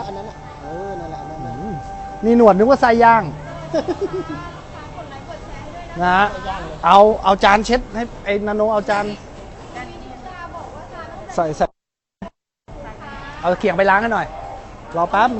อันนั้นนั่นแหละนี่หนวดนึกว่าไส้ย่างนะฮะเอาจานเช็ดให้ไอ้นาโนเอาจานใส่เอาเขียงไปล้างกันหน่อยรอแป๊บ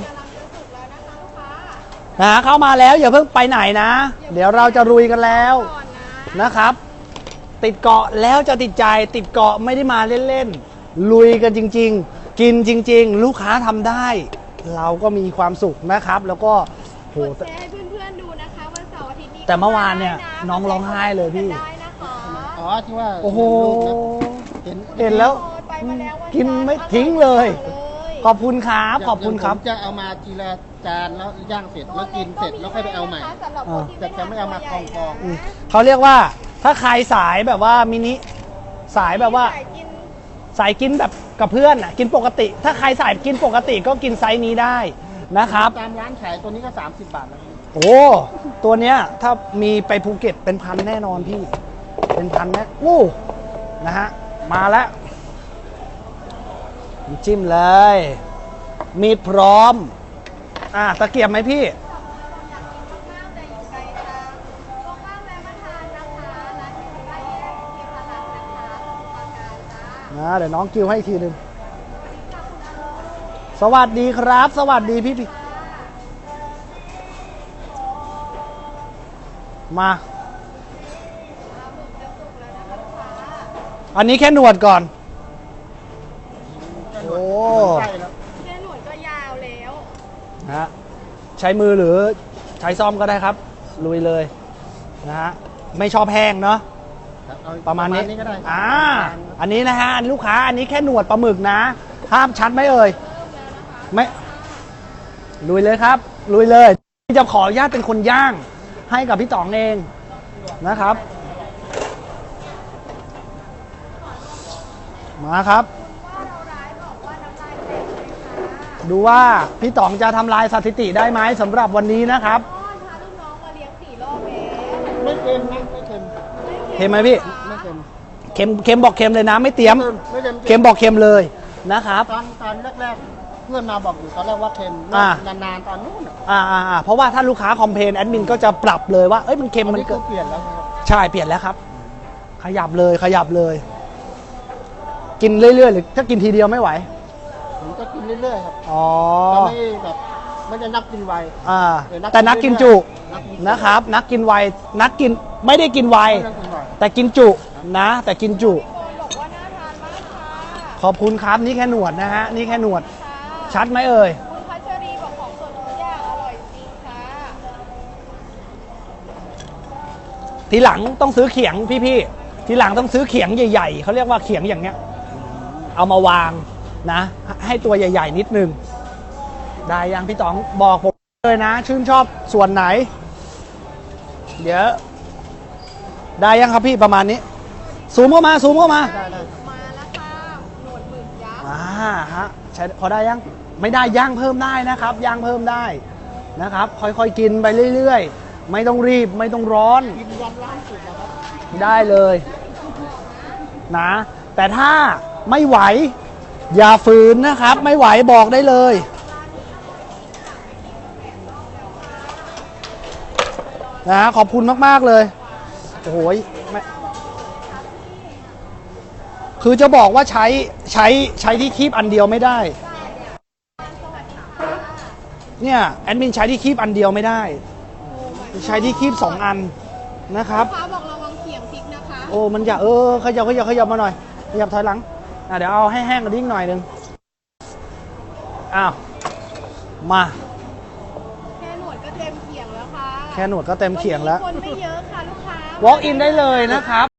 นะเข้ามาแล้วอย่าเพิ่งไปไหนนะ เดี๋ยวเราจะลุยกันแล้วนะครับ ติดเกาะแล้วจะติดใจติดเกาะไม่ได้มาเล่นๆลุยกันจริงๆกินจริงๆลูกค้าทำได้เราก็มีความสุขนะครับแล้วก็โหแชร์ให้เพื่อนๆดูนะคะวันเสาร์อาทิตย์นี้แต่เมื่อวานเนี่ยน้องร้องไห้เลยพี่อ๋อที่ว่าโอ้โหเห็นแล้วกินไม่ทิ้ทิ้งเลยขอบคุณครับขอบคุณครับจะเอามาทีละจานแล้วย่างเสร็จแล้วกินเสร็จแล้วค่อยไปเอาใหม่แต่จะไม่เอามากองเขาเรียกว่าถ้าใครสายแบบว่ามินิสายแบบว่าสายกินแบบกับเพื่อนกินปกติถ้าใครสายกินปกติก็กินไซส์นี้ได้นะครับตามร้านขายตัวนี้ก็30 บาทแล้วโอ้ตัวเนี้ยถ้ามีไปภูเก็ตเป็นพันแน่นอนพี่เป็นพันแน่อู้นะฮะมาแล้วจิ้มเลยมีดพร้อมตะเกียบไหมพี่เดี๋ยวน้องกิวให้อีกทีหนึ่งสวัสดีครับสวัสดีพี่มาอันนี้แค่หนวดก่อนโอ้แค่หนวดก็ยาวแล้วนะฮะใช้มือหรือใช้ซ่อมก็ได้ครับลุยเลยนะฮะไม่ชอบแห้งเนาะประมาณนี้ก็ได้อันนี้นะฮะลูกค้าอันนี้แค่หนวดปลาหมึกนะห้ามชัดไหมเอ่ยไม่ลุยเลยครับลุยเลยจะขออนุญาตเป็นคนย่างให้กับพี่ต๋องเองนะครับมาครับดูว่าพี่ต๋องจะทำลายสถิติได้ไหมสำหรับวันนี้นะครับพาลูกน้องมาเลี้ยง4 รอบแล้วไม่เค็มนะไม่เค็มเค็มไหมพี่ไม่เค็มเค็มบอกเค็มเลยนะไม่เตรียมเค็มบอกเค็มเลยนะครับตอนแรกเพื่อนมาบอกอยู่ตอนแรกว่าเค็มนานๆตอนนู้นเพราะว่าถ้าลูกค้าคอมเพลนแอดมินก็จะปรับเลยว่าเอ้ยมันเค็มมันเปลี่ยนแล้วใช่เปลี่ยนแล้วครับขยับเลยกินเรื่อยๆหรือถ้ากินทีเดียวไม่ไหวผมจะกินเรื่อยๆครับไม่แบบไม่ได้นักกินไวแต่นักกินจุนะครับนักกินไวนักกินไม่ได้กินไวแต่กินจุนะแต่กินจุบอกว่าน่าทานมากค่ะขอบคุณครับนี่แค่หนวดนะฮะนี่แค่หนวดชัดไหมเอ่ยคุณพัชรีบอกของสดทุกอย่างอร่อยจริงค่ะทีหลังต้องซื้อเขียงพี่ทีหลังต้องซื้อเขียงใหญ่ๆเขาเรียกว่าเขียงอย่างเนี้ยเอามาวางนะให้ตัวใหญ่ๆนิดนึงได้ยังพี่ต๋องบอกผมเลยนะชื่นชอบส่วนไหนเดี๋ยวได้ยังครับพี่ประมาณนี้ซูมเข้ามามาแล้วค่ะหนวดหมึกยักษ์ฮะใช้พอได้ยังไม่ได้ย่างเพิ่มได้นะครับย่างเพิ่มได้นะครับค่อยๆกินไปเรื่อยๆไม่ต้องรีบไม่ต้องร้อนกินวันล่าสุดนะครับได้เลยนะแต่ถ้าไม่ไหวอย่าฝืนนะครับไม่ไหวบอกได้เลยนะขอบคุณมากๆเลยโอ้โหคือจะบอกว่าใช้ที่คีบอันเดียวไม่ได้เนี่ยแอดมินใช้ที่คีบอันเดียวไม่ได้ใช้ที่คีบ2 อันนะครับฟ้าบอกระวังเขียงพริกนะคะโอ้มันอย่าขยับมาหน่อยขยับถอยหลังเดี๋ยวเอาให้แห้งกันนิดหน่อยนึงอ้าวมาแค่หนวดก็เต็มเขียงแล้วค่ะแค่หนวดก็เต็มเขียงแล้วคนไม่เยอะค่ะลูกค้า walk in ได้เลยนะครับ